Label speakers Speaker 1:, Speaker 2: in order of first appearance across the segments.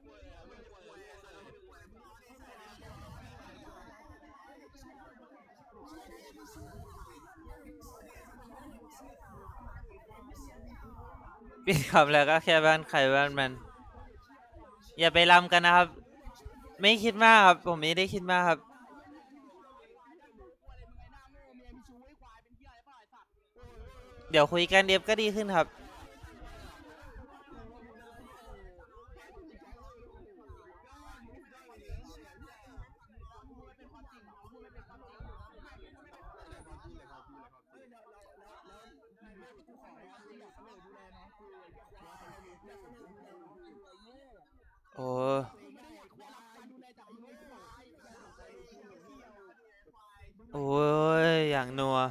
Speaker 1: ปิดคำแล้วก็แค่บ้านใครบ้านมันอย่าไปรำกันนะครับไม่คิดมากครับผมไม่ได้คิดมากครับเดี๋ยวคุยกันเดี๋ยวก็ดีขึ้นครับโอ้โอ้ยอย่างนัว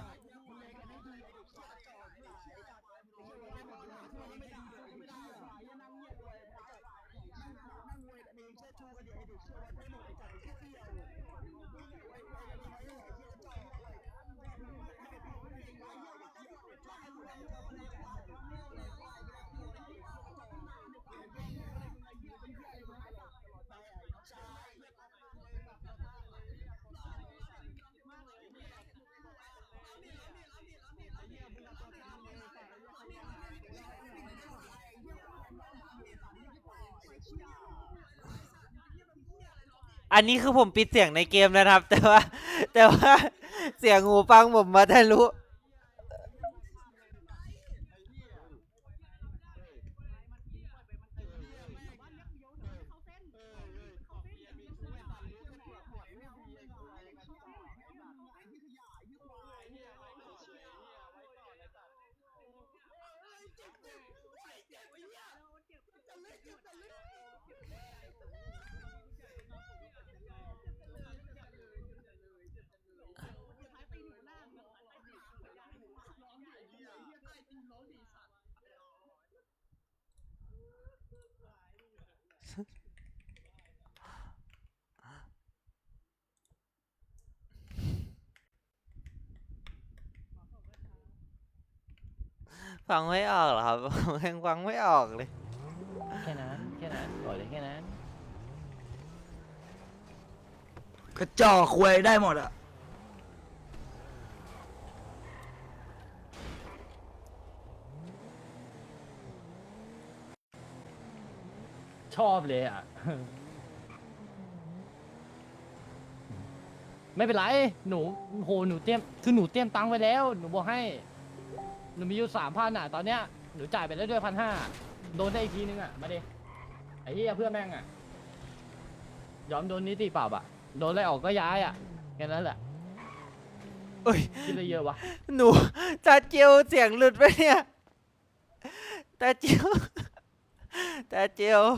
Speaker 1: อันนี้คือผมปิดเสียงในเกมนะครับแต่ว่าเสียงหูฟังผมมาทะลุฟังไม่ออกเหรอครับผมยังฟังไม่ออกเลย
Speaker 2: แค่นั้นบอกเลยแค่นั้น
Speaker 3: กระจอกควยได้หมดอ่ะ
Speaker 2: ชอบเลยอ่ะ ไม่เป็นไรหนูโหหนูเตรียมคือหนูเตรียมตังค์ไว้แล้วหนูบอกให้หนูมีอยู่3,000อ่ะตอนเนี้ยหนูจ่ายไปแล้วด้วย1,500โดนได้อีกทีนึงอ่ะมาดิไอ้เหี้ยเพื่อนแม่งอ่ะยอมโดนนิติปรับอ่ะโดนไล่ออกก็ย้ายอ่ะแค่นั้นแหละ
Speaker 1: เอ้ย
Speaker 2: คิดอะไรเยอะวะ
Speaker 1: หนูตาเจียวเสียงหลุดไปเนี่ยตาเจียวตาเจียว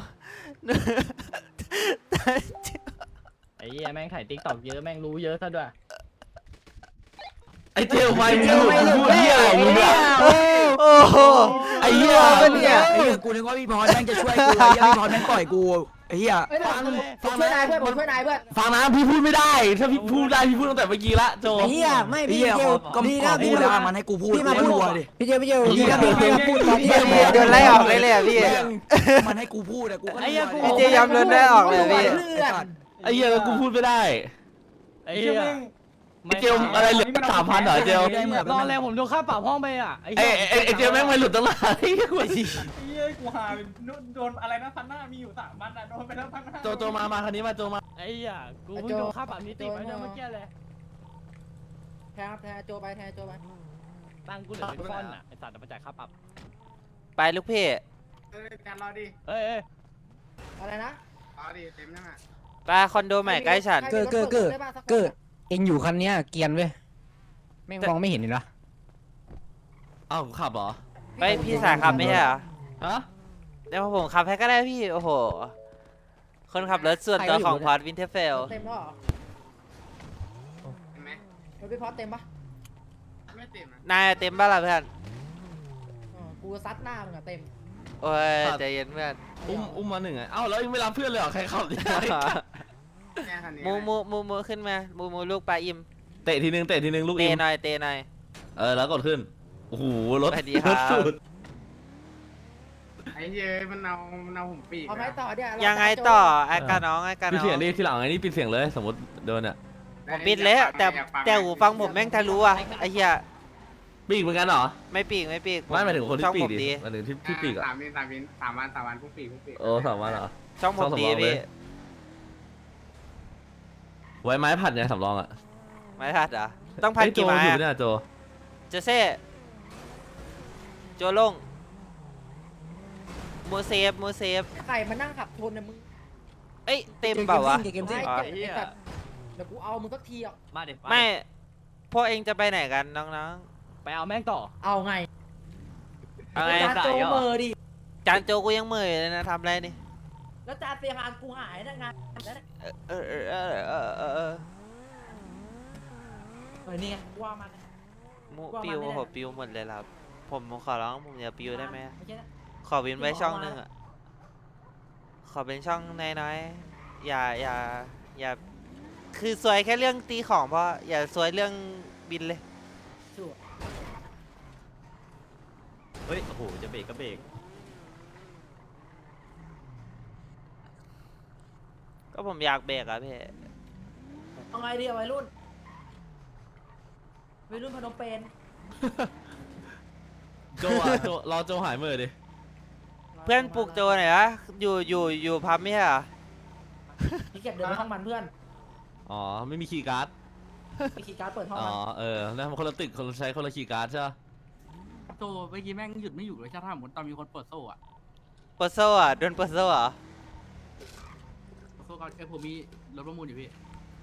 Speaker 1: ตาเจียว
Speaker 2: ไอ้เหี้ยแม่งถ่ายติ๊กต็อกเยอะแม่งรู้เยอะซะด้วย
Speaker 3: ไอเจลไม่พูดเหี้ยมึงอ่ะ
Speaker 1: โอ้โห
Speaker 3: ไอ้เหี้ยเนี่ยไอ้เหี้ยกูนึกว่าพี่พรแม่งจะช่วยกูไอ้เหี้ยพี่พรแม่งต่อยกูไอ้เหี้ย
Speaker 4: ฟังช่วยนายเพื่อนผมช่วยนายเพื่อน
Speaker 3: ฟังนะพี่พูดไม่ได้ถ้าพี่พูดได้พี่พูดตั้งแต่เมื่อกี้ละโจ
Speaker 4: ไอ้เหี้ยไม่พี่เดียว
Speaker 3: ก็ดีนะพี่นะมันให้กูพูดพี่มาพูดดิ
Speaker 4: พี่เดียวพี่นะพี่พูด
Speaker 1: โดนไล่ออกเลยเลยพี่
Speaker 3: มันให้กูพูดอะกูก็
Speaker 1: พี่เจย้ำโดนไล่ออกเลยพี่
Speaker 3: ไอ้เหี้ยกูพูดไม่ได้
Speaker 2: ไอ้เหี้ย
Speaker 3: เจลอะไรเหลือ3,000เหรอเจล
Speaker 2: ตอนแรกผมโดนค่าปรับห้องไปอ่ะ
Speaker 3: ไอ้เจลแม่งไม่หลุดตั้งนานไอ้เหี้ย
Speaker 5: กูหาโดนอะไรนะ1,500มีอยู่3,000อ่ะโดนไปแล้ว1,500
Speaker 3: โจมาคันนี้มาโจมา
Speaker 2: ไอ้เหี้ยกูเพิ่งโดนค่าปรับนิติไปเมื่อกี้เลย
Speaker 4: แทนโจไป
Speaker 2: ตั้งกูเหลือเป็นก้อนอ่ะไอ้สัตว์มาจ่ายค่าปรับ
Speaker 1: ไปลูกพี่
Speaker 5: การรอดิ
Speaker 2: เอ้ย
Speaker 4: อะไรนะ
Speaker 5: รอดิเต็มยังอ่ะ
Speaker 1: ไปคอนโดใหม่ใกล้ฉัน
Speaker 4: เกิดเอ็งอยู่คันเนี้ยเกียนเว้ยแม่งมองไม่เห็นเหรอ
Speaker 3: อ้าวขับเหรอ
Speaker 1: ไปพี่สายขับไม่ใช่เหรอ
Speaker 3: ฮะ
Speaker 1: เดี๋ยวผมขับให้ก็ได้พี่โอ้โหคนขับรถส่วนตัวของพอร์ตวินเทอร์เฟล
Speaker 4: เต็มแล้วเหรอ
Speaker 5: เห็นไหม
Speaker 4: พี่พอร์ตเต็มปะ
Speaker 5: ไม่เต็ม
Speaker 1: นายเต็มบ้างล่ะเพื่อน
Speaker 4: กูซัดหน้ามึงอะเต็ม
Speaker 1: โอ้ยใจเย็นเพื่อน
Speaker 3: อุ้มมา1อ่ะเอ้าแล้วยังไม่รับเพื่อนเลยเหรอใครขับดิ
Speaker 1: มูขึ้นมามูลูกปลาอิ่ม
Speaker 3: เตะทีนึงลูกอิ่ม
Speaker 1: เตะหน่อย
Speaker 3: แล้วกดขึ้นโอ้โหรถ
Speaker 1: สวัสดีครับ
Speaker 6: ไอ้เย้ยมันเอาผมปีก
Speaker 7: เอาไงต่อเนี่ย
Speaker 1: ยังไงต่อไอ้กาน้องไอ้กา
Speaker 8: ปิด
Speaker 1: น้อ
Speaker 8: เสียง
Speaker 1: ง
Speaker 8: ดิทีหลังไอ้นี่ปิดเสียงเลยสมมติโดนอ่ะ
Speaker 1: ผมปิดเลยอะแต่หูฟังผมแม่งทะลุอะไอ้เหี้ย
Speaker 8: ปีกเหมือนกันเหรอ
Speaker 1: ไม่ปีกไม่ปีก
Speaker 8: ไม่หมายถึงคนที่
Speaker 1: ช่อง
Speaker 8: ปี
Speaker 1: ผ
Speaker 8: ก
Speaker 1: ม
Speaker 8: ดิ
Speaker 1: ดี
Speaker 8: หมายถึงที่ปีกอ่ะ
Speaker 6: 3 วันพุ่งปีก
Speaker 8: โอ้3 วันเหรอ
Speaker 1: ช่องผมดี
Speaker 8: ช่องสำรองเลย
Speaker 1: พี่
Speaker 8: ไว้ไม้ผัดไงสำรองอ่ะ
Speaker 1: ไม่ทัดเหรอต้องพัน
Speaker 8: เฮ้ยโจ
Speaker 1: กี่ไม้
Speaker 8: อยู่
Speaker 1: อะ
Speaker 8: เนี่ยโจ
Speaker 1: เจเซ่โจลงมูเซฟ
Speaker 7: ไข่มานั่งขับชนนะมึง
Speaker 1: เอ้ยเต็มเปล่าวะ
Speaker 4: เกมซิ่ง
Speaker 1: อ๋อ
Speaker 7: ไอ้สัตว์เดี๋ยวกูเอามึงสักทีอ่ะ
Speaker 2: มาเด็ด
Speaker 1: ไม่พวกเองจะไปไหนกันน้อง
Speaker 2: ไปเอาแม่งต่อ
Speaker 7: เอาไง
Speaker 1: ๆเอาไง
Speaker 7: จานโจเมอร์ดิ
Speaker 1: จานโจกูยังเหมื่อยเลยนะทำอะไรนี่
Speaker 7: แล้วจานเซียฮานกูหายนะงานแล้ว
Speaker 1: เออ
Speaker 7: นี่ไงว่ามัน
Speaker 1: มู
Speaker 7: ว่า
Speaker 1: ปิว
Speaker 7: มันไม่ได้
Speaker 1: ผมปิวหมดเลยครับ ผมขอร้องผมอย่าปิวได้ไหม
Speaker 7: ไม่ใช่นะ
Speaker 1: ขอเว้นไว้
Speaker 7: ที่บอก
Speaker 1: ช่อง
Speaker 7: ว่า
Speaker 1: หนึงอ่ะขอเป็นช่องน้อยๆอย่าคือซวยแค่เรื่องตีของเพราะอย่าซวยเรื่องบินเลย
Speaker 7: ชัวร์
Speaker 2: เฮ้ยโอ้โหจะเบรกก็เบรก
Speaker 1: ก็ผมอยากเบรกอะพี่
Speaker 7: เอาไงดีอะวัยรุ่นพนมเปญ
Speaker 8: โจอ่ะโจรอโจหายมือดิ
Speaker 1: เพื่อนปลุกโจหน่อยนะอยู่พับไม่ใช่เหรอ
Speaker 7: พี่เก็บเดินไปห้องมันเพื่อน
Speaker 8: อ๋อไม่มีคีย์การ์ด
Speaker 7: ไปขี่การ์ดเปิดห้อง
Speaker 8: อ๋อ
Speaker 7: มัน
Speaker 8: แล้วมันคนละตึกคนละใช้คนละคีย์การ์ดใช่ปะ
Speaker 6: โตเมื่อกี้แม่งหยุดไม่อยู่เลยถ้าสมมติตอนมีคนเปิดโซ่อะ
Speaker 1: เปิดโซ่อะโดนเปิดโซ่เหรอ
Speaker 6: โซ่ก่อนผมมีรถประมูลอยู่พี่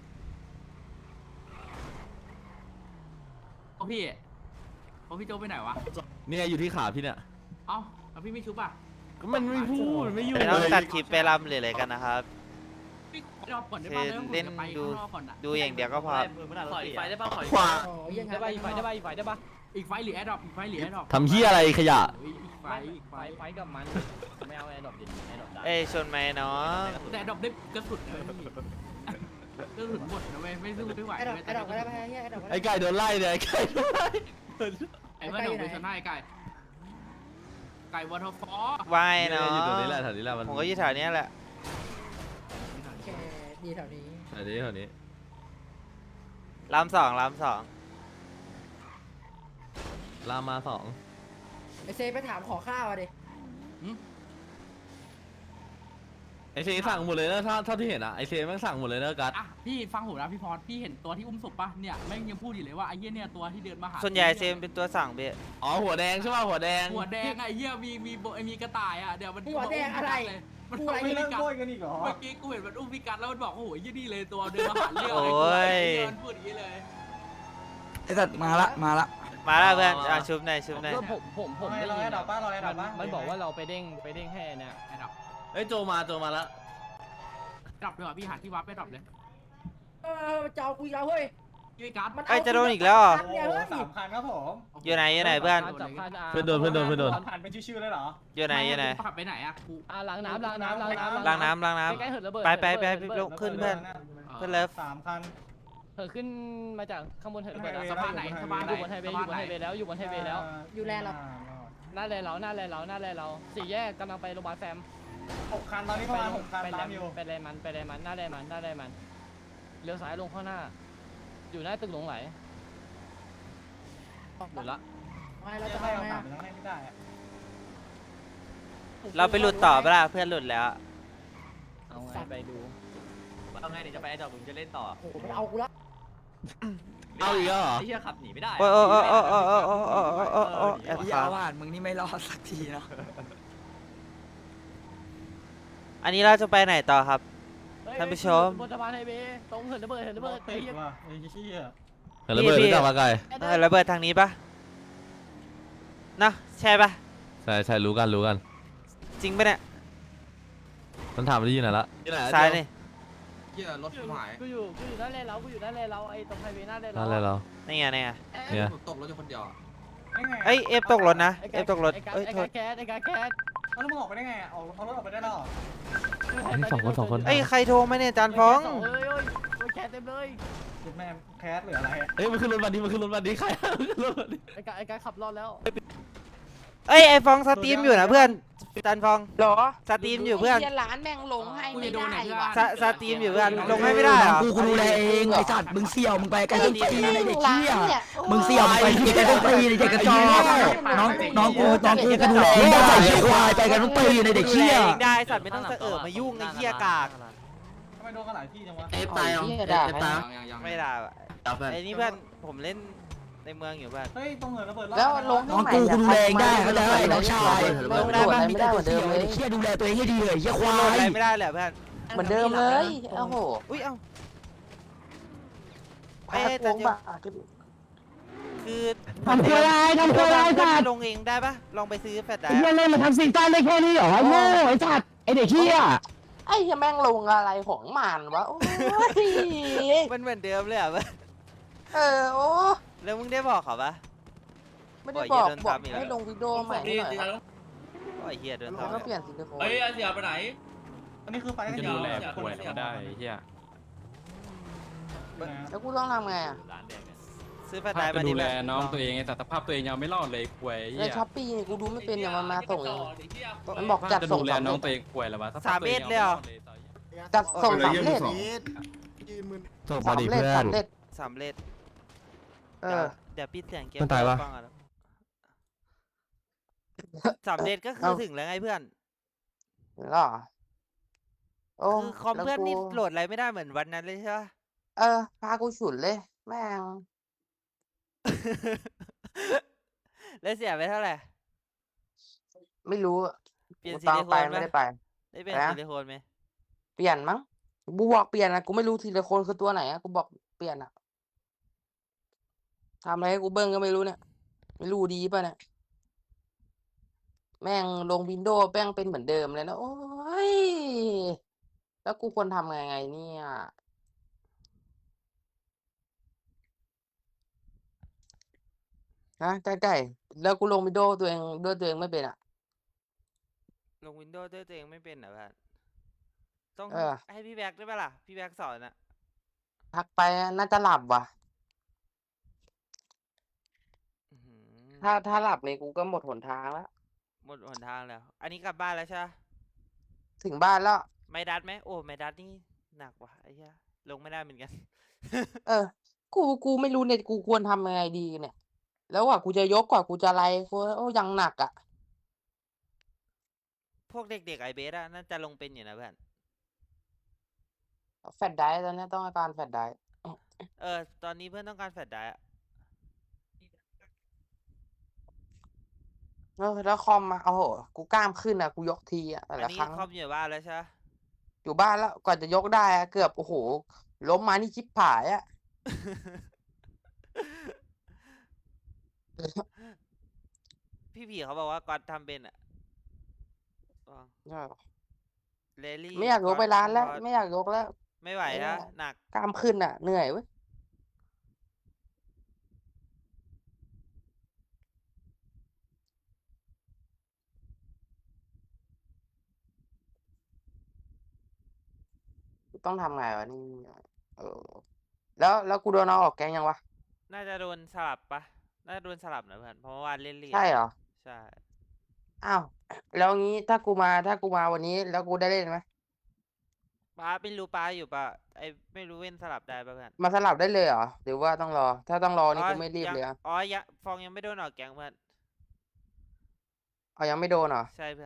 Speaker 6: โอ้พี่โจไปไหนวะ
Speaker 8: เนี่ยอยู่ที่ขาพี่เนี่ย
Speaker 6: เอ้าแล้วพี่ไม่ชุบอ่ะ
Speaker 8: ก็มันไม่พูดไม่อยู่
Speaker 1: ไม่ต้องตัดคลิปไปรำหรืออะไรกันนะครับ
Speaker 6: พี่รอก่อนได้ป่ะ
Speaker 1: คือ
Speaker 6: ผม
Speaker 1: เล่น
Speaker 6: จะไป
Speaker 1: ดู
Speaker 6: ข้างนอกก่อนอะ
Speaker 1: ดูอย่างเดียวก็พอ
Speaker 2: ขออีกไฟได้ป่ะขออีก
Speaker 3: ขวา
Speaker 7: อ๋อยังไง
Speaker 2: ได้ป่ะอีกไฟได้ป่ะอีกไฟได้ป่ะ
Speaker 6: อีกไฟหรือแอดดอปอีกไฟหรือแอดดอป
Speaker 8: ทำเฮียอะไรขยะ
Speaker 6: อีกไฟอีกไฟ
Speaker 2: ไฟกับมันไม่เอาไอ้ดอกดิไอ้ดอกได้
Speaker 1: เอ้ยชนไหมน้อง
Speaker 6: แต่แอดดอปได้กระสุนนะเว้ยพี่กระสุนหมดนะเว้ยไม่สู้ไม่ไหว
Speaker 7: ไอ้ดอก
Speaker 6: เว้ย
Speaker 7: ไอ้ดอกก็ได้ไหมไอ้ดอกก็ได้
Speaker 8: ไอ้ไก่โดนไล่เนี่ยไอ้ไก่โดนไล่
Speaker 6: ไอ้เพื่อนผมไปชนะไอ้ไก่วอเตอร์ฟอล
Speaker 1: วาย
Speaker 8: เนี่ย
Speaker 1: เนาะ
Speaker 8: อยู่ตรงนี้แหละแถวนี้แหละมัน
Speaker 1: ผมก็อยู่แถวเนี้ยแหละ
Speaker 7: แค่ดีแถวนี้
Speaker 8: แถวนี้แถวนี้
Speaker 1: รำสอง
Speaker 8: ลามมา2
Speaker 7: ไอเซไปถามขอข้าวอ่ะดิ
Speaker 8: ไอเซสั่งหมดเลยนะเท่าที่เห็นอะไอเซแม่งสั่งหมดเลยนะกัส
Speaker 6: อ่ะพี่ฟังผมนะพี่พรพี่เห็นตัวที่อุ้มศพปะเนี่ยแม่งยังพูดอยู่เลยว่าไอ้เหี้ยเนี่ยตัวที่เดินมาหา
Speaker 1: ส่วนใหญ่เซมเป็นตัวสั่งเบี้ย
Speaker 8: อ๋อหัวแดงใช่ป่ะหัวแดง
Speaker 6: หัวแดงอะไอ้เหี้ยมีกระต่ายอ่ะเดี๋ยวมัน
Speaker 7: หัวแดงอะไร
Speaker 6: มัน
Speaker 7: กูอะไร
Speaker 6: ไม่
Speaker 5: ไม่
Speaker 6: เลิ
Speaker 5: เลิ
Speaker 6: ก
Speaker 5: ก
Speaker 6: กั
Speaker 5: โวยกันอีกเหรอ
Speaker 6: เมื่อกี้กูเห็นมันอุ้มพี่กัดแล้วมันบอกโอ้โหยี่นี่เลยตัวเดินมาหาเรื่อง
Speaker 1: โอ้ย
Speaker 6: ไอ้เหี้ยมันพูดอย่างนี้เลย
Speaker 3: ไอ้สัตว์มาละ
Speaker 1: มาแล้วเพื่อนชุบหน่อย
Speaker 2: ก็ผม
Speaker 5: ร
Speaker 2: ได้
Speaker 5: อ
Speaker 2: ยิ
Speaker 5: ไอ้
Speaker 2: น
Speaker 5: ดอกป้ารอไอ้ดอกป้า
Speaker 2: มันบอกว่าเราไปเด้งให้เนี่ย
Speaker 6: ไอ้ดอก
Speaker 8: เอ้ยโจมาแล้ว
Speaker 6: ดอกดีกว่าพี่หาที่วัดไปดอกเลย
Speaker 7: เจ้ากูอีกแล้วเฮ้ย
Speaker 6: ยี่กัด
Speaker 7: มัน
Speaker 1: เอ้ยจะโดนอีกแล้วเหรอ
Speaker 5: โอ้โห3 คันครับผม
Speaker 1: อยู่ไหนเพื่อน
Speaker 2: จับคัน
Speaker 8: เพื่อนโดน
Speaker 5: ผ่านเป็นชื่อๆเลยเหรอ
Speaker 1: อยู่ไหน
Speaker 6: ขับไปไหนอะกู
Speaker 2: ล้างน้ำล้างน้ำ
Speaker 1: ล้างน้ำ
Speaker 2: ใกล้ๆเหินระเบิด
Speaker 1: ไปลุกขึ้นเพื่อน เพื่อนเลิฟ
Speaker 5: 3 คัน
Speaker 2: เหินขึ้นมาจากข้างบนเหินระเบิด
Speaker 6: สะพานไหนสะพาน
Speaker 2: อ
Speaker 6: ไหน
Speaker 2: ยู่บนไฮเวย์อยู่บนไฮเวย์แล้วอยู่บนไฮเวย์แล้ว
Speaker 7: อยู่แลนด์เรา
Speaker 2: หน้าแลเราสี่แยกกำลังไปโรงพยาบาลแฟม
Speaker 5: 6 คันตอนนี้ประมาณ6 คันตามอยู่
Speaker 2: ไปแลมันหน้าแลมันเลี้ยวซ้ายลงข้างหน้า อยู่หน้าตึกหลงไหลหมดละ
Speaker 7: ไม่เรา
Speaker 5: จะ
Speaker 7: จะ
Speaker 5: ให้
Speaker 7: ทำ
Speaker 5: เอา
Speaker 7: ไง
Speaker 5: ตามไปต้องให้ไม่ได้อะ
Speaker 1: เราไปหลุดต่อปะล่ะเพื่อนหลุดแล้ว
Speaker 2: เอาไงไปดูเอาไงเดี๋ยวจะไปไอ้ดอกมึงจะเล่นต่อ
Speaker 7: โอ้โหมันเอากูละ
Speaker 8: เอาอีกแล้วเหรอ
Speaker 2: ไอ้เหี้ยขับหนีไม่ได้
Speaker 1: โอ้แอบ
Speaker 3: พี่
Speaker 1: ฟั
Speaker 3: อาง วาดมึงนี่ไม่รอดสักทีเนาะ
Speaker 1: อันนี้เราจะไปไหนต่อครับ ท่านผู้ชม
Speaker 2: บนสะพานไฮเวย์ตรงเหินระเบิด
Speaker 5: รถ
Speaker 2: ไอ้
Speaker 5: ติด
Speaker 2: เหี้ย
Speaker 5: ว่ะไอ้เหี้ย
Speaker 8: เห็นระเบิด
Speaker 1: พี่
Speaker 8: รู้จักปะไก่
Speaker 1: ระเบิดทางนี้ปะนะใช่ปะ
Speaker 8: ใช่รู้กัน
Speaker 1: จริงปะเนี่ย
Speaker 8: มันถามมันที่ไหนละที่ไหน
Speaker 1: ซ้ายนี่
Speaker 3: เหี้ยรถหาย
Speaker 2: กูอยู่หน้าแลเราไอ้ตรงไฮเวย์หน้าแล
Speaker 8: นั่นเลยเรา
Speaker 1: นี่ไง
Speaker 8: เนี่ย
Speaker 3: ตกรถอยู่คนเดียว
Speaker 5: ได้ไง
Speaker 1: เอ้ยเอฟตกรถนะเอฟตกรถเอ้ย
Speaker 2: ไอ้
Speaker 1: โทษ
Speaker 2: แคส
Speaker 5: แล้วมึงออกไปได้ไงเอารถออกไปได้แล้วเหรอ
Speaker 8: นี่สองคน
Speaker 1: เอ้ยใครโทรมาเนี่ยจานฟ้อง
Speaker 2: เอ้ยแคสเต็มเลย
Speaker 5: จุดแม่แคสหรืออะไร
Speaker 8: เอ้ยมันขึ้นรถวันนี้ใครขึ้นรถวันนี้
Speaker 2: ไอ้กายขับรอดแล้ว
Speaker 1: เอ้ยไอฟ้องสตรีมอยู่นะเพื่อนจันฟอง
Speaker 9: หรอ
Speaker 1: สตรีมอยู่เพื่อน
Speaker 9: ไหี้ร้านแม่งลงให้ไม่ได้ว่ะ
Speaker 1: สตรีมอยู่เพื่อนลงให้ไม่ได้เหรอ
Speaker 3: กูดูแลเองไอ้สัตว์มึงเสี่ยวมึงไปไกลต้นตีนไอ้เด็กเหี้ย
Speaker 9: เนี่ย
Speaker 3: มึงเสี่ยวมึงไปไกลต้นตีนไอ้เด็กกระจอกน้องกูก็ดูแลเองได้ใส่ควายไปกันต้นตีนไอ้เด็กเหี้ย
Speaker 1: ดูแลองได้สัตว์ไม่ต้องสะเอิบมายุ่งไอ้เหี้ยกาก
Speaker 5: ทำไมโดนกันหลายที่จังวะ
Speaker 6: เอฟตายยัง
Speaker 9: เหี้ย
Speaker 6: เอ
Speaker 9: ด่า
Speaker 6: ฟตายยัง
Speaker 1: ไม่ได้ว่ะไอ้นี่เพื่อนผมเล่นในเมืองอยู่เพื่อน
Speaker 5: เฮ้ยตรงเหินระเบิด
Speaker 9: แล้วลง
Speaker 3: น้องกูกูดูแลเองได้เข้าใจไหมน้องชาย
Speaker 9: ลงได้ไม่ได้เหมือนเดิมเลย
Speaker 3: เหี้ยดูแลตัวเองให้ดีเลยเหี้ยควา
Speaker 1: โหลด
Speaker 3: ย
Speaker 1: อะไรไม่ได้เลยอะเพื่อน
Speaker 9: เหมือนเดิมเลยโอ้โห
Speaker 1: อุ้ยเอ้า
Speaker 9: พาโค้งบ้า
Speaker 1: คือ
Speaker 4: ทำตัวอะไรทำตัวอะไรสัตว์
Speaker 1: ลงเองได้ปะลองไปซื้อแฟลชได
Speaker 4: ไอ้
Speaker 1: ร์
Speaker 4: เหี้ยเล่นมาทำซีซั่นได้แค่นี้เหรอไอ้โง่ไอ้สัตว์ไอ้เด็กเหี้ย
Speaker 9: ไอ้เหี้ยแม่งลงอะไรของมันวะโอ้ย
Speaker 1: มันเหมือนเดิมเลยอ่ะเพื่อน
Speaker 9: โอ้
Speaker 1: แล้วมึงได้บอกเขาปะ
Speaker 9: ไม่ได้บอก
Speaker 1: โอ้ยเหี้ยโดน
Speaker 9: บอก
Speaker 1: ทำอีกแล้ว
Speaker 9: ให้ลงวิดีโอใหม่ให้หน่อยครับ
Speaker 1: โอ้ยเฮียโดน
Speaker 9: แล้วก็
Speaker 1: ทำ
Speaker 9: เปลี่ยนซิลิโคน
Speaker 6: เฮ้ยเสียไปไหน
Speaker 5: อันนี้คือไฟกัน
Speaker 6: จะ
Speaker 5: ยา
Speaker 6: ดู
Speaker 5: ว
Speaker 6: แล
Speaker 5: ป่วยก็ได้เฮีย
Speaker 9: แล้วกูต้องทำไงอ่ะ
Speaker 1: ซื้อแฟลชไดร์มาดูแลน้องตัวเอง
Speaker 8: สภาพตัวเองยังไม่รอดเลยป่วย
Speaker 9: ในช้อปปี้นี่กูดูไม่เป็นอย่างมันมาส่งเองมันบอกจัดส่งสำเร็จ
Speaker 8: ป่วยแล้ววะ
Speaker 1: 3 เมตรเลยเหรอ
Speaker 9: จัดส่งสำเร็จ
Speaker 3: ส่ง
Speaker 9: สำ
Speaker 3: มาดิ
Speaker 9: เร็จ
Speaker 3: เพื่อน
Speaker 9: สำเร็จ
Speaker 1: สำเร็จ
Speaker 9: เออ
Speaker 1: เดี๋ยวปิดเสียงเกม
Speaker 3: มันตายวะ
Speaker 1: ฟังก่อนสำเร็จก็คือถึงแล้วไงเพื่อน
Speaker 9: เหรอโอ้
Speaker 1: คือคอม
Speaker 9: แล้ว
Speaker 1: เพื่อนนี่
Speaker 9: กู
Speaker 1: โหลดอะไรไม่ได้เหมือนวันนั้นเลยใช่ปะ
Speaker 9: พากูฉุนเลย แม่ง
Speaker 1: แล้วเสียไปเท่าไหร่
Speaker 9: ไม่รู้อะ
Speaker 1: เปลี่ยน
Speaker 9: กู
Speaker 1: ซิ
Speaker 9: ตาม
Speaker 1: ลิโค
Speaker 9: ไป
Speaker 1: นไหม
Speaker 9: ไม่ได้ไป
Speaker 1: ได้เปลี่ยน
Speaker 9: นะ
Speaker 1: ซิลิโคนไหม
Speaker 9: เปลี่ยนมั้งกูบอกเปลี่ยนนะกูไม่รู้ทีละคนคือตัวไหนอะกูบอกเปลี่ยนอะทำอะไรให้กูเบิ้งก็ไม่รู้เนี่ย ไม่รู้ดีป่ะเนี่ยแม่งลงวินโดว์แม่งเป็นเหมือนเดิมเลยนะโอ้ยแล้วกูควรทำไงเนี่ยฮะใกล้ๆแล้วกูลงวินโดว์ตัวเองด้วยตัวเองไม่เป็นอะ
Speaker 1: ลงวินโดว์ด้วยตัวเองไม่เป็นเหรอเพื่อนต้อง
Speaker 9: เออ
Speaker 1: ให้พี่แบ็กได้ปะล่ะ พี่แบ็กสอนอะ
Speaker 9: ทักไปน่าจะหลับว่ะ
Speaker 1: อื้อหือ
Speaker 9: ถ้าหลับนี่กูก็หมดหนทางแล้ว
Speaker 1: หมดหนทางแล้ว อันนี้กลับบ้านแล้วใช่ปะ
Speaker 9: ถึงบ้านแล้ว
Speaker 1: ไม่ดัดไหมโอ้ไม่ดัดนี่หนักว่ะไอ้เหี้ยลงไม่ได้เหมือนกัน
Speaker 9: เออ กูไม่รู้เนี่ยกูควรทำยังไงดีเนี่ย แล้วกว่ากูจะยกกว่ากูจะอะไรกูโอ้ยังหนักอ่ะ
Speaker 1: พวกเด็กๆไอเบสอะน่าจะลงเป็นอยู่นะเพื่อน
Speaker 9: แฟลชไดรฟ์ตอนนี้ต้องการแฟลชไดรฟ์
Speaker 1: ตอนนี้เพื่อนต้องการแฟลชไดร์อะ
Speaker 9: แล้วคอมมาโอ้โหกูกล้ามขึ้นอ่ะกูยกทีอ่ะแต่
Speaker 1: อัน
Speaker 9: ละ
Speaker 1: นี้
Speaker 9: ครั้ง
Speaker 1: คอมอยู่บ้านแล้วใช่ปะ
Speaker 9: อยู่บ้านแล้วกว่าจะยกได้อะเกือบโอ้โหล้มมานี่ชิบผายอ่ะ
Speaker 1: พี่ผีเขาบอกว่าก่อนทำเป็นอะเลลี่
Speaker 9: ไม่อยากยกไปร้านแล้ว
Speaker 1: ก๊อต
Speaker 9: ไม่อยากยกแล้ว
Speaker 1: ไม่ไหว
Speaker 9: ไม่
Speaker 1: นะ
Speaker 9: ได้
Speaker 1: หนัก
Speaker 9: กล้ามขึ้นอ่ะเหนื่อยเว้ยต้องทำไงวะนี่เออแล้วกูโดนเอาออกแกงยังวะ
Speaker 1: น่าจะโดนสลับปะน่าจะโดนสลับนะเพื่อนเพราะเมื่อวานเล่นเลีย
Speaker 9: ใช่เหรอ
Speaker 1: ใช่
Speaker 9: อ้าวแล้วงี้ถ้ากูมาวันนี้แล้วกูได้เล่นไหม
Speaker 1: ป้าไม่รู้ป้าอยู่ปะไอไม่รู้เว้นสลับได้ปะเพื่อน
Speaker 9: มาสลับได้เลยเหรอหรือว่าต้องรอ ถ้าต้องรอนี่กูไม่รีบ
Speaker 1: ยัง
Speaker 9: เลยอะ
Speaker 1: ฟองยังไม่โดนออกแกงเพื่อน
Speaker 9: เอายังไม่โดนเหรอ
Speaker 1: ใช่เพื่อน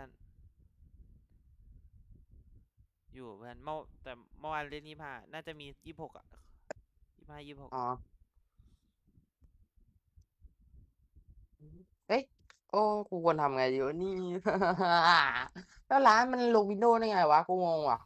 Speaker 1: อยู่เพื่อนแต่เมื่อวานเล่น25น่าจะมี26อะ26
Speaker 9: อ๋อเอ้ยโอ้กูควรทำไงดีวะนี่ แล้วร้านมันลงวินโดว์ได้ไงวะกูงงว่ะ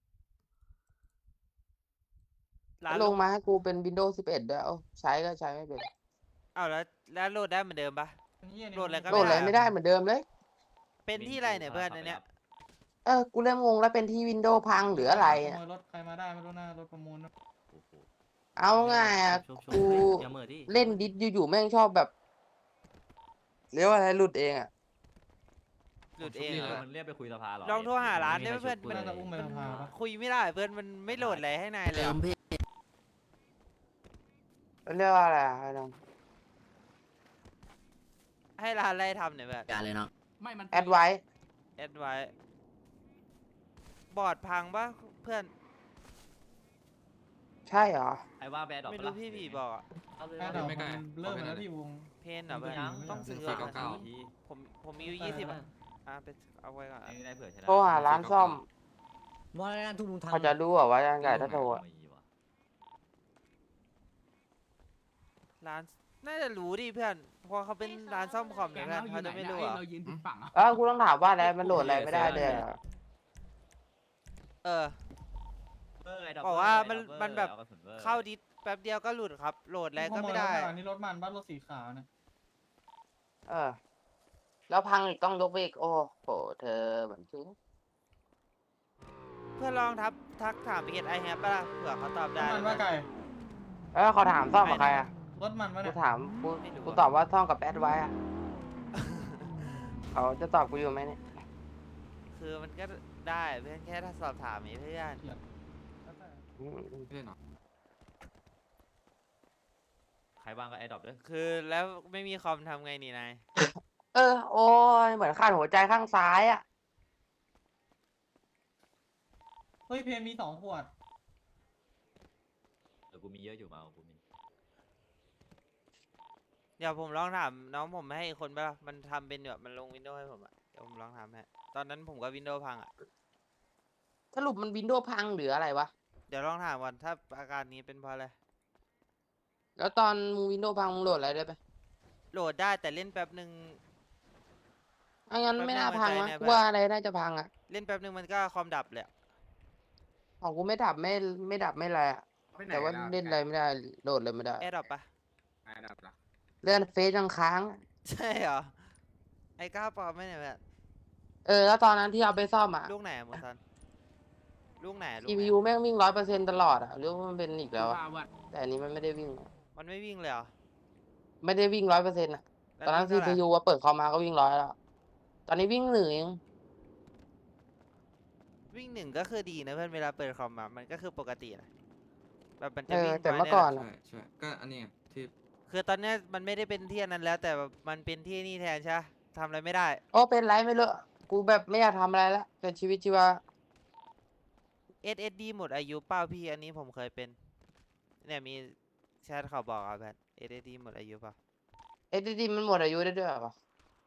Speaker 1: ร้าน
Speaker 9: ลงมาให้กูเป็น Windows 11ด้วยเอ้าใช้ก็ใช้ไม่เป็น
Speaker 1: อ้าวแล้วโหลดได้เหมือนเดิมปะ โหลดอะไรก็
Speaker 9: โหลดอะไรไม่ได้เหมือนเดิมเลย
Speaker 1: เป็นที่อะไรเนี่ยเพื่อนอันเนี้ย
Speaker 9: กูเริ่มงงแล้วเป็นที่ Windows พังหรืออะไร
Speaker 5: ข
Speaker 9: เนี่ย
Speaker 5: โมยรถใครมาได้ไม่รู้นะรถประมูลนะ
Speaker 9: เอาง่ายอะกูเล่นดิสอยู่ๆแม่งชอบแบบเรียกว่าอะไรหลุดเองอะ
Speaker 1: หลุดเองเหรอ
Speaker 8: มันเรียกไปคุยสภาหรอ
Speaker 1: ลองโทรหาร้านได้ไหมเพื่อน
Speaker 5: ไม่น่าจะอุ้มไปสภาปะ
Speaker 1: คุยไม่ได้เพื่อนมันไม่โหลดอะไรให้นายเลยอะ
Speaker 9: เรียกว่าอะไรอะให้ลอง
Speaker 1: ให้ร้านอะไรทำเนี่ยเพื่อน
Speaker 6: ไม่มัน
Speaker 9: แอดไว้
Speaker 1: แอดไว้บอร์ดพังปะเพื่อน
Speaker 9: ใช่เหรอ
Speaker 3: ไอ้ว่าแบดดอก
Speaker 1: ไม่รู้พี่ผีบอกอะ
Speaker 5: แค่ดอกมันเริ่มแล้วพี่วง
Speaker 1: เพนเหรอเพื่อน
Speaker 5: ยัง
Speaker 1: ต้องซื้อ
Speaker 6: 499
Speaker 1: อะผมมีอยู่20อะไปเอาไว้ก่อนอะ
Speaker 3: ไม่ได้เผื่อชนะ
Speaker 9: โทรหาร้านซ่อม
Speaker 4: ว่าแล้วทุกลุงทำ
Speaker 9: เขาจะรู้เหรอว่ายังไงถ้าโทรอะ
Speaker 1: ร้านน่าจะรู้ดิเพื่อนเพราะเขาเป็นร้านซ่อมคอม
Speaker 6: แก
Speaker 1: เนี่ย
Speaker 6: ง
Speaker 1: เพื่อน
Speaker 6: เราอ
Speaker 1: เขา
Speaker 6: ยู่ไหน
Speaker 1: จะไม่
Speaker 6: เนี่ย
Speaker 1: รู้
Speaker 6: เอ้ย
Speaker 1: อะ
Speaker 6: เรายืนผิดฝั่งอ่ะ
Speaker 9: กูต้องถามว่าแล้วมันโหลดอะไรไม่ได้เลยอะ
Speaker 1: เออ บอกว่ามันแบบเข้าดิสแป๊บเดียวก็หลุดครับ โหลดอะไรก็ไม่ได้
Speaker 5: อันนี้รถมันบ้านรถสีขาวนะ
Speaker 9: เออ แล้วพังอีกต้องยกไปอีกโอ้โหเธอเหมือนจริง
Speaker 1: เพื่อนลองทักถามเพจไอแฮปป่ะล่ะเผื่อเขาตอบ
Speaker 5: ร
Speaker 1: ได้
Speaker 5: ถมันว่าไก่
Speaker 9: เขาถามซ่อมกับใครอะ
Speaker 5: รถมันว่า
Speaker 9: กู
Speaker 5: เนี่ย
Speaker 9: ถามกูตอบว่าซ่อมกับแอดไว้อะเขาจะตอบกูอยู่ไหมเนี่ย
Speaker 1: คือมันก็ได้เพื่อนแค่ถ้าสอบถามเพื่อน
Speaker 9: อืม
Speaker 6: ไม่ใช่เนาะ
Speaker 3: ใครบ้างก็ไอ้ดอกด้วย
Speaker 1: คือแล้วไม่มีคอมทำไงนี่นาย
Speaker 9: โอ้ยเหมือนขาดหัวใจข้างซ้ายอะ
Speaker 5: เฮ้ยเพนมี2 ขวด
Speaker 3: เดี๋ยวกูมีเยอะอยู่มากูมี
Speaker 1: เดี๋ยวผมลองถามน้องผมให้อีกคนป่ะล่ะมันทำเป็นแบบมันลงวินโดว์ให้ผมอะเดี๋ยวผมลองทำให้ตอนนั้นผมก็วินโดว์พังอะ
Speaker 9: สรุปมันวินโดว์พังหรืออะไรวะ
Speaker 1: เดี๋ยวลองถามก่อนถ้าอาการนี้เป็นเพราะอะไร
Speaker 9: แล้วตอนมึงวินโดว์พังมึงโหลดอะไรได้ไหม
Speaker 1: โหลดได้แต่เล่นแป๊บหนึ่ง
Speaker 9: งั้น
Speaker 1: แป๊บ
Speaker 9: ไม่น่า
Speaker 1: นึง
Speaker 9: พัง
Speaker 1: หัว
Speaker 9: นะ
Speaker 1: ใจเนี่ย
Speaker 9: กูว่าอะไรน่าจะพังอะ
Speaker 1: เล่นแป๊บหนึ่งมันก็คอมดับเลยอะ
Speaker 9: ของกูไม่ดับไม่ดับไม่อะไรอะแต่ว่าเล่นอะไรไม่ได้โหลดเลยไม่ได้
Speaker 1: แอร์ดรอปปะ
Speaker 6: ไอ้ดับละ
Speaker 9: เลื่อนเฟซยังค้างอะ
Speaker 1: ใช่เหรอไอ้ก้าวปลอมไม่เนี่ยแบบ
Speaker 9: แล้วตอนนั้นที่เอาไปซ่อมอะ
Speaker 1: ลูกไหนอะหมูซันลูกไหนลูกไหน
Speaker 9: CPU แม่งวิ่ง100%ตลอดอะหรือว่ามันเป็นอีกแล้วอะ
Speaker 6: ว่าวัด
Speaker 9: แต่อันนี้มันไม่ได้วิ่ง
Speaker 1: มันไม่วิ่งเลยเหรอ
Speaker 9: ไม่ได้วิ่ง100%อะ
Speaker 1: แล้ว
Speaker 9: ตอนนั้น
Speaker 1: วิ่งเท่าไหร่
Speaker 9: CPU ว่าเปิดคอมมาก็วิ่ง100แล้ว ตอนนี้วิ่ง1เอง
Speaker 1: วิ่งหนึ่งก็คือดีนะเพื่อนเวลาเปิดคอมมามันก็คือปกตินะแบบมันจะวิ่ง
Speaker 9: แต่
Speaker 1: มา
Speaker 9: เมื่อ
Speaker 1: เนี่ย
Speaker 9: ก่อน
Speaker 6: ใช่
Speaker 9: อะ
Speaker 6: ใช่ก็อันนี้ที่
Speaker 1: คือตอนเนี้ยมันไม่ได้เป็นที่อันนั้นแล้ว แต่แบบมันเป็นที่นี่แทนใช่ปะทำอะไรไม่ได้
Speaker 9: โอ้เป็นไรไม่รู้กูแบบไม่อยากทำอะไรละเป็นชีวิตชีวา
Speaker 1: SSD หมดอายุเปล่าพี่อันนี้ผมเคยเป็นเนี่ยมีแชทเขาบอกอะแบบ SSD หมดอายุเปล่า
Speaker 9: SSD มันหมดอายุได้ด้วยเหรอ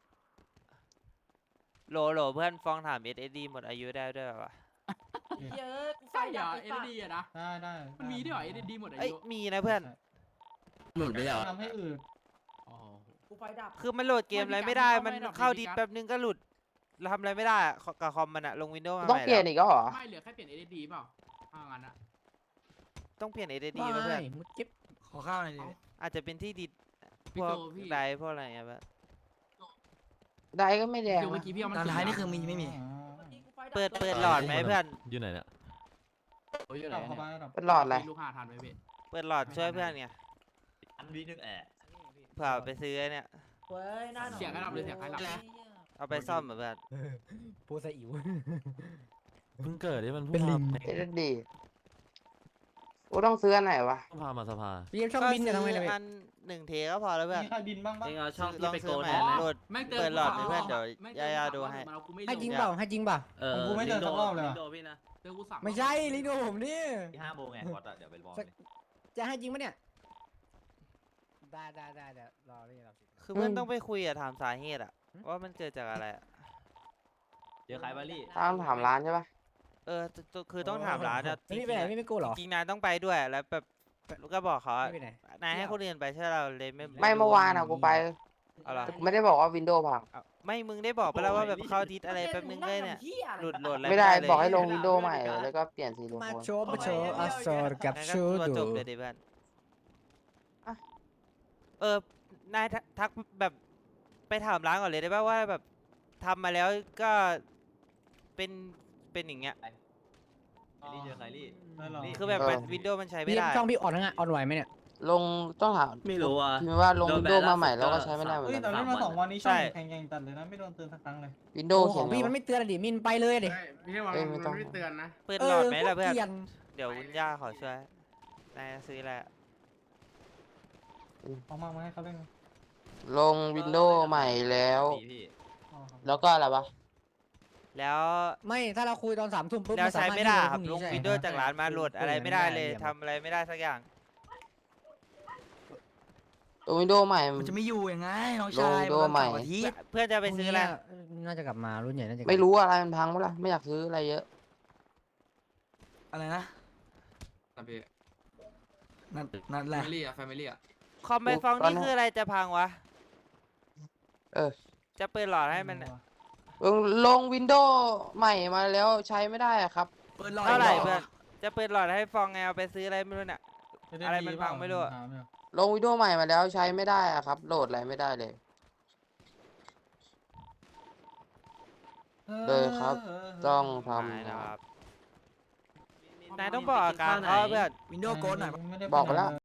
Speaker 1: โหลเพื่อนฟ้องถาม SSD หมดอายุได้ด้วยปะ
Speaker 7: เยอะกูไฟ
Speaker 6: ใช่เหร
Speaker 7: ดั
Speaker 6: อบ
Speaker 7: ไอ้
Speaker 6: เอ็
Speaker 7: สั
Speaker 6: น
Speaker 7: ส
Speaker 6: ดีอะนะ
Speaker 5: ได้
Speaker 6: มันมีด้วยเหรอเอ็นดีหมดอา
Speaker 1: เอ้ย
Speaker 6: ยุ
Speaker 1: มีนะเพื่อน
Speaker 8: หลุดไปแล้ว
Speaker 5: ทำให้อืด
Speaker 6: อ๋อ
Speaker 7: กูไฟดับ
Speaker 1: คือมันโหลดเกมอะไรไม่ได้มันเข้าดิสแป๊บนึงก็หลุดทำอะไรไม่ได้อะกับคอมมันอะลงวินโดว์มา
Speaker 9: ต้อง
Speaker 1: ใหม่
Speaker 9: เปลี่ยน
Speaker 1: แล้ว
Speaker 9: อีกแล้วเหรอ
Speaker 6: ไม่เหลือแค่เปลี่ยนเอ็นดีเปล่าถ้างั้นอะ
Speaker 1: ต้องเปลี่ยน SSD
Speaker 4: ไม่
Speaker 1: ป่ะเพื่อน
Speaker 4: มึงเก็บขอข้าวหน่อยดิ
Speaker 1: อาจจะเป็นที่ดิสพ
Speaker 6: พี่
Speaker 1: วก
Speaker 6: โจพี่
Speaker 1: ไดร์พวกอะไรอย่างเงี้ยแบบ
Speaker 9: ได้ก็ไม่แดง
Speaker 6: โจเมื่อ
Speaker 9: นะ
Speaker 6: กี้พี่เอามัน
Speaker 4: ตอนท้ายนี่คือมีไม่มี
Speaker 1: เปิดหลอดไหมเพื่อน
Speaker 8: อยู่ไหนเนี่ย
Speaker 6: โอ้ยอยู่ไหน
Speaker 5: ดับเข้า
Speaker 6: เนี่ย
Speaker 5: มาดับ
Speaker 9: เป็นหลอดอะไร
Speaker 6: ลูกหาทันไหมพี่
Speaker 1: เปิดหลอดช่วยเพื่อนไง
Speaker 3: อันวีนึงแอะ
Speaker 1: เผื่อไปซื้อไอ้เนี่ย
Speaker 7: เว้ยหน้าหน
Speaker 6: เสียงให้ดับเลยเสียงให้ดับ
Speaker 1: เอาไปซ่อมเหมือนเพื่อน
Speaker 4: โพสอิ๋ว
Speaker 8: เพิ่งเกิดที่มัน
Speaker 4: เป็นลิง
Speaker 9: SSD กูต้องซื้ออันไหนวะ
Speaker 8: พามาสภา
Speaker 4: พี่ช่องบินเนี่ยทำไงเนี่ย
Speaker 1: อัน1 เทก็พอแล้วเพื่อน
Speaker 5: มีใครบินบ้างปะ
Speaker 3: เองเอาช่อง
Speaker 1: ล
Speaker 3: ที่
Speaker 1: อง
Speaker 3: ไป
Speaker 1: ซื้
Speaker 3: โก
Speaker 1: อน ใหม่
Speaker 3: แทนนะ
Speaker 1: โหลด
Speaker 6: แม่งเติ
Speaker 1: เปิดหลอดเลยเพื่อนเดี๋ยว
Speaker 6: แม่ง
Speaker 1: ยาๆดูให้
Speaker 6: มาเรากูไม่
Speaker 4: ให้จริง
Speaker 6: ล
Speaker 4: เปล่าให้จริงเปล่า
Speaker 5: กูไม่เจอสักรอบเลย
Speaker 3: ลิ
Speaker 5: ว่ะ
Speaker 3: งโดพี่นะ
Speaker 6: เจอกูสั่ง
Speaker 4: ไม่ใช่ลิงดูผมนี่
Speaker 3: ที่5 โมงไงบอสอะเดี๋ยวไปบอกเลย
Speaker 4: จะให้จริงปะเนี่ย ได้เดี๋ยวรอพี่รอ
Speaker 1: คือเพื่อนต้องไปคุยอะถามสาเหตุอะว่ามันเกิดจากอะไรอะ
Speaker 3: เจอใครบาลี่
Speaker 9: ต้องถามร้านใช่ปะ
Speaker 1: คือต้องถามร้านอะ
Speaker 4: พี่ไปไหนพี่ไม่กู้เหรอ
Speaker 1: จริงๆนายต้องไปด้วยแล้วแบบก็บอกเขาอะ
Speaker 4: พี่ไปไหน
Speaker 1: นายให้คนอื่นไปใช่เราเลยไม่
Speaker 9: ไม่เมื่อวานอะกูไป
Speaker 1: เอาเหรอ
Speaker 9: แต่กูไม่ได้บอกว่าวินโดว์พัง
Speaker 1: เอาไม่มึงได้บอกไปแล้วว่าแบบเข้าดิสอะไรแป๊บนึงเลยเนี่ยหลุดโหลดอะไร
Speaker 9: ไม่ได้
Speaker 1: เลย
Speaker 9: บอกให้ลงวินโดว์ใหม่แล้วก็เปลี่ยนสีลง
Speaker 4: มา
Speaker 9: โคน
Speaker 4: โชว์อัสซอร์กับ
Speaker 1: งั้น
Speaker 4: ชู
Speaker 1: ก็ตัว
Speaker 4: ดู
Speaker 1: จบเลยดิเพื่อน
Speaker 9: อ่ะ
Speaker 1: นายทักแบบไปถามร้านก่อนเลยได้ป่ะว่าแบบทำมาแล้วก็เป็นอย่างเงี้ย
Speaker 3: ไอ้ลี่เจอใครลี่
Speaker 5: ได้หรอ
Speaker 1: คือแบบวินโดว์มันใช้ไม่
Speaker 4: พี่
Speaker 1: ได้
Speaker 4: ช่องพี่อ่อนนะอ่อนไหวไหมเนี่ย
Speaker 9: ลงต้องถาม
Speaker 3: ไม่รู้อ่ะ
Speaker 9: พิมพ์ว่าลง
Speaker 3: โด
Speaker 9: วิ
Speaker 3: น
Speaker 9: น
Speaker 3: แบน
Speaker 9: โดว์มาใหม่
Speaker 3: ล่าสุด
Speaker 9: แล้วก็
Speaker 3: ก็
Speaker 9: ใช้ไม่ได้เหมือน
Speaker 5: เฮ้ย
Speaker 9: กัน
Speaker 5: แต่เล่นมา
Speaker 3: 3
Speaker 5: 2 วันนี้ช่องแข่งๆตัดเลยนะไม่โดนเตือนสักครั้งเลย
Speaker 9: วินโด
Speaker 4: โอ้
Speaker 9: ว์
Speaker 4: ข
Speaker 9: เขี
Speaker 4: อย ง
Speaker 9: น
Speaker 4: พี่
Speaker 9: ไง
Speaker 4: มัน
Speaker 9: วะ
Speaker 4: ไม่เตือนอะดิมินไปเลยดิ
Speaker 6: ไม่ใช่ว่า
Speaker 9: เอ้ยไม่
Speaker 6: มัน
Speaker 9: ต้อง
Speaker 6: ไม่เตือนนะ
Speaker 1: เปิดหลอดไหมล่ะเพื่อน
Speaker 4: กลียน
Speaker 1: เดี๋ยววุ้นย่าขอช่วยนายซื้ออะไรอะ
Speaker 5: เอามาให้เขาเล่น
Speaker 9: ลงวินโดว์ใหม่แล้ว
Speaker 3: พี่
Speaker 5: อ๋อครับ
Speaker 9: แล้วก็อะไรวะ
Speaker 1: แล้ว
Speaker 4: ไม่ถ้าเราคุยตอน3 ทุ่มปุ๊บ
Speaker 1: แล้วใช้ไม่ได้ครับลง
Speaker 4: ใช่
Speaker 1: วินโดว์จากร้านมาโหลดอะไรไม่ได้เลย
Speaker 4: คุ
Speaker 1: ทำอะไรไม่ได้สักอย่าง
Speaker 9: ลงวินโดว์ใหม่
Speaker 3: มันจะไม่อยู่ยังไงน้องชาย
Speaker 9: ลงโดใหม่
Speaker 3: วันเสาร์อาทิตย์
Speaker 1: เพื่อนจะไปซื้ออะไร
Speaker 4: น่าจะกลับมารุ่นใหญ่น่าจะกลับ
Speaker 9: ไม่รู้อะไรมันพังเมื่อไหร่ไม่อยากซื้ออะไรเยอะ
Speaker 3: อะไรนะ
Speaker 6: นะพี่
Speaker 3: นั่นแห
Speaker 6: แฟ
Speaker 3: ละ
Speaker 6: มิลี่อะแฟมิลี่อะ
Speaker 1: คอมไปฟอง
Speaker 9: ตอน
Speaker 1: นี่
Speaker 9: นั้น
Speaker 1: คืออะไรจะพังวะ
Speaker 9: เออ
Speaker 1: จะเปิดหลอดให้มัน
Speaker 9: ลงวินโดว์ใหม่มาแล้วใช้ไม่ได้อะครับ
Speaker 3: เปิดรอย
Speaker 1: เท่าไหร่
Speaker 3: ก
Speaker 1: เพื่อนจะเปิดหลอดให้ฟองไงเอาไปซื้ออะไรไม่รู้เนี่ยอะไรมันพังไม่รู้อะ
Speaker 9: ลงวินโดว์ใหม่มาแล้วใช้ไม่ได้อะครับ โหลดอะไรไม่ได้เลย เลยครับ ต้องท
Speaker 1: นายนะครับนายต้องบอกอาการเขาเพื่อน
Speaker 3: วินโดว์โกดหน่อย
Speaker 9: ำบอกไปแล้ว